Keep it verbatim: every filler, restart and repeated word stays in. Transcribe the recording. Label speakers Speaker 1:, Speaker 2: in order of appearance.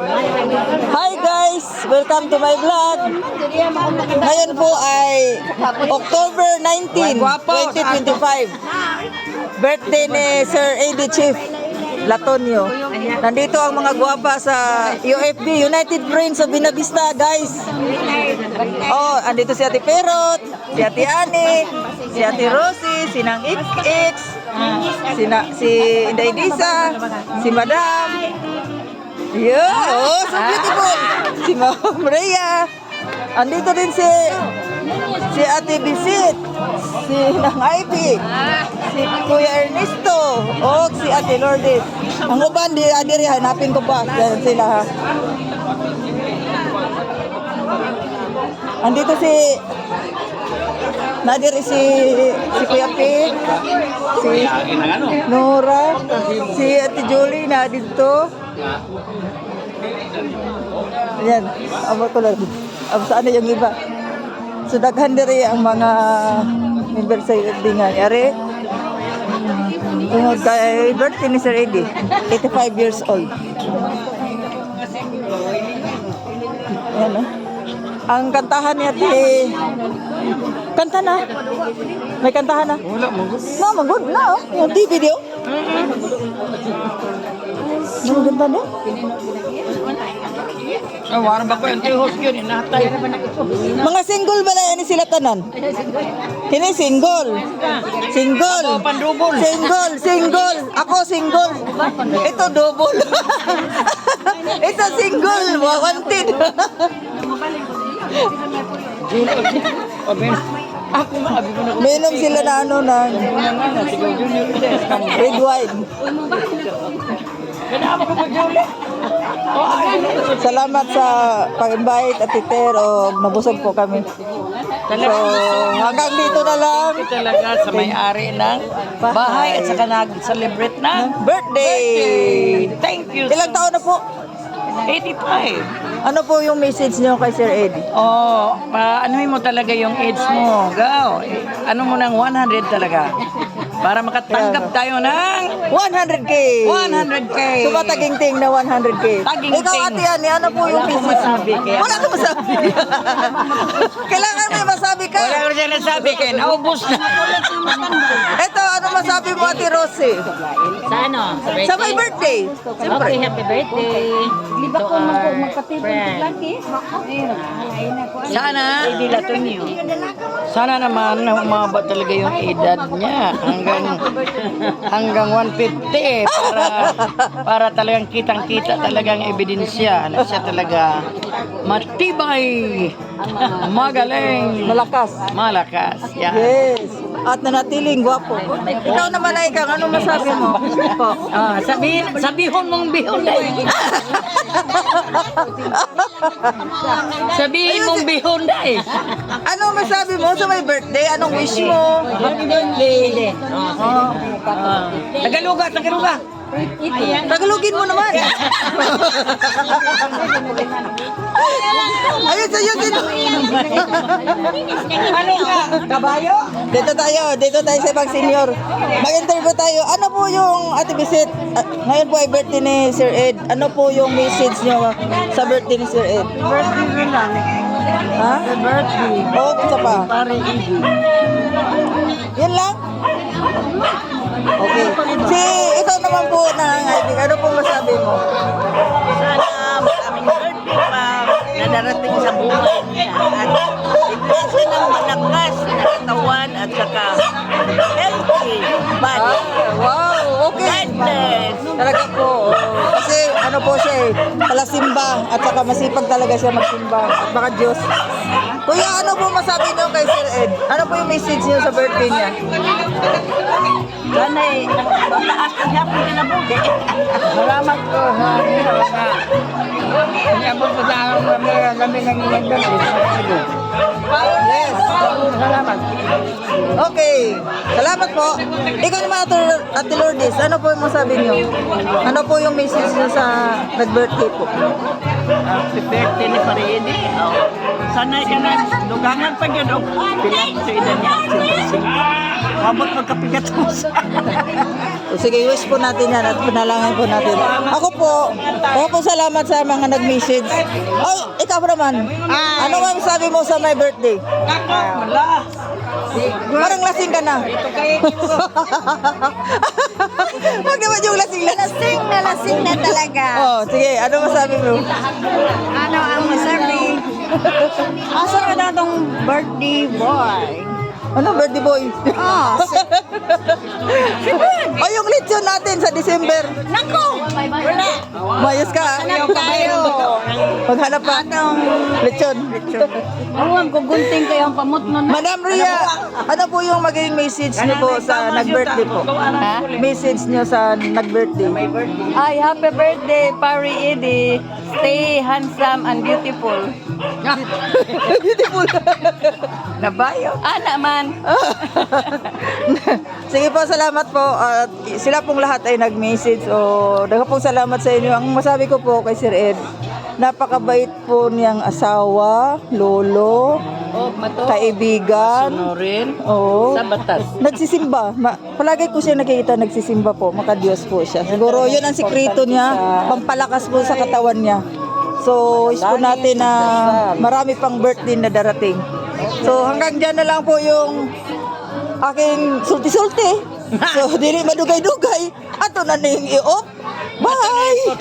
Speaker 1: Hi guys! Welcome to my vlog. Ngayon po ay October nineteenth, twenty twenty-five. Birthday ni Sir A D Chief Latonio. Nandito ang mga guwapa sa U F B, United Friends of Binavista, guys. Oh, andito si Ate Perot, si Ate Ani, si Ate Rosie, si Nang X X, si, na, si Inday Disa, si Madam. Yeah, oh, so beautiful. Si Ma'am Rhea. Andito din si si Ate Bisit, si Nang Ivy, si Kuya Ernesto, o si Ate Lourdes. Ang uban, di adiri, hanapin ko pa. Yan sila ha. Andito si nadiri si si Kuya Pig, si Nora, si Ate Julie na dito. Ayan, abo ko lang. Abo saan na yung iba? So daghan diri ang mga member sa U F B nga. Yari, tungod kay birthday ni Sir Eddie, eighty-five years old. Ayan na. Ang kantahan niya ti kanta na. May kantahan na. Wala magod. No, magod na oh. Yung T V video. Ang ganda niya.
Speaker 2: Ah, warang ba ko yung host yun, inahatay.
Speaker 1: Mga single ba na yan sila tanan? Kini single. Single.
Speaker 2: Ako, pandubol.
Speaker 1: Single, single. Ako single. Ito double. Ito single. Wanted.
Speaker 2: Ako nga, abi ko na.
Speaker 1: Minom sila na ano na red wine.
Speaker 2: Kailangan ko pag-uli.
Speaker 1: Salamat sa pag-invite at iter o nabusog po kami. So, hanggang dito na lang.
Speaker 2: Talaga sa may-ari ng bahay at saka nag-celebrate ng
Speaker 1: Birthday!
Speaker 2: Thank you.
Speaker 1: Ilang taon na po?
Speaker 2: eighty-five.
Speaker 1: Ano po yung message niyo kay Sir Eddie?
Speaker 2: Oh, pa anuhin mo talaga yung age mo. Go. Ano mo ng one hundred talaga. Para makatanggap tayo ng
Speaker 1: one hundred K!
Speaker 2: one hundred K.
Speaker 1: So ba taging-ting na one hundred K?
Speaker 2: Taging-ting.
Speaker 1: Ikaw, Ate Ani, ano po yung
Speaker 2: Wala akong
Speaker 1: message?
Speaker 2: masabi, kaya-
Speaker 1: Wala akong masabi. Kailangan may masabi ka.
Speaker 2: Wala ko siya nasabi kayo. Naubos na.
Speaker 1: Ito, ano masabi mo, Ate Rosie?
Speaker 3: Sa ano? Sa birthday?
Speaker 1: Sa my birthday. Siyempre.
Speaker 3: Okay, happy birthday. Liba ko magkatipid lagi.
Speaker 2: Sana,
Speaker 3: Hindi Latonio.
Speaker 2: sana naman umaba talaga yung edad niya hanggang hanggang one fifty para para talagang kitang-kita talagang ebidensya na siya talaga matibay, magaling,
Speaker 1: Malakas.
Speaker 2: malakas. Yan.
Speaker 1: Yes. At nanatiling gwapo. Ikaw naman ay kang ano masabi mo? Po.
Speaker 2: Ah, sabihin, sabihon mong bihon dai. Sabihin mong bihon dai.
Speaker 1: Ano masabi mo sa my birthday? Anong wish mo?
Speaker 2: Oh. Ah, Tagaluga, Tagaluga.
Speaker 1: Tagalogin mo naman. Ayun sa'yo dito.
Speaker 2: Ano ka? Kabayo?
Speaker 1: Dito tayo, dito tayo sa ibang senior. Mag-interview tayo. Ano po yung Ate Bisit? ah, ngayon po ay birthday ni Sir Ed. Ano po yung message nyo sa birthday ni Sir Ed?
Speaker 2: Birthday mo lang.
Speaker 1: Ha?
Speaker 2: Birthday.
Speaker 1: Oo, isa pa.
Speaker 2: Pare Iggy.
Speaker 1: Yun lang? Okay. Si, ikaw naman po nangangaibigan. Ano po masabi mo?
Speaker 3: Sana maraming birthday pa na darating sa buhay niya. At ibigay siya ng malakas na katawan at saka healthy body.
Speaker 1: Ah, wow, okay.
Speaker 3: God bless.
Speaker 1: Talaga po. oh. Kasi ano po siya eh, palasimba at saka masipag talaga siya magsimba at baka Diyos. Kuya, ano po masabi niyo kay Sir Ed? Ano po yung message niyo sa birthday niya?
Speaker 3: Sana eh, mataas ang happy na buhay.
Speaker 2: Salamat ko sa inyo na inabot ko sa akin kami kami nangingan doon.
Speaker 1: Yes.
Speaker 2: Salamat.
Speaker 1: Okay. Salamat po. Ikaw naman, Ate Ate Lourdes, ano po yung masabi niyo? Ano po yung message niyo sa nag-birthday po?
Speaker 3: Happy birthday ni Paridi. Oh.
Speaker 2: sanay ka na. Dugangan pa yun. O, pila ko sa edad niya. Mabot magkapigat mo sa...
Speaker 1: So, sige, wish po natin yan at panalangin po natin. Ako po, ako po salamat sa mga nag-message. Oh, ikaw naman. Ano nga sabi mo sa my birthday?
Speaker 2: Wala.
Speaker 1: Parang lasing ka na. Huwag naman yung lasing lasing.
Speaker 4: Lasing na lasing na talaga.
Speaker 1: Oh, sige, ano masabi mo?
Speaker 4: Ano ang masabi? Asa ka na tong birthday boy?
Speaker 1: Ano, birthday boy?
Speaker 4: Oh,
Speaker 1: Oh, yung lechon natin sa December.
Speaker 4: nako! Wala.
Speaker 1: Mayos ka.
Speaker 4: Hanap tayo.
Speaker 1: Maghanap pa. Lechon.
Speaker 4: Awang gugunting kayo ang pamot nun.
Speaker 1: Madam Ria, ano po yung magiging message niyo po sa nag-birthday po?
Speaker 4: Ha?
Speaker 1: Message niyo sa nag-birthday.
Speaker 4: Ay, happy birthday, Pari Edie. Stay handsome and beautiful.
Speaker 1: Beautiful.
Speaker 2: Nabayo.
Speaker 4: Ah, naman.
Speaker 1: Sige po, salamat po. At sila pong lahat ay nag-message. O, daga pong salamat sa inyo. Ang masabi ko po kay Sir Ed, napakabait po niyang asawa, lolo,
Speaker 2: Oh, mato.
Speaker 1: kaibigan.
Speaker 2: Sunurin.
Speaker 1: Oo.
Speaker 2: Sa batas.
Speaker 1: Nagsisimba. Ma- palagi ko siya nakikita nagsisimba po. Makadiyos po siya. Siguro yun ang sikreto niya. Pampalakas po sa katawan niya. So, wish po natin na marami pang birthday na darating. So, hanggang dyan na lang po yung aking sulti-sulti. So, dili madugay-dugay. Ato na ning i-off. Bye!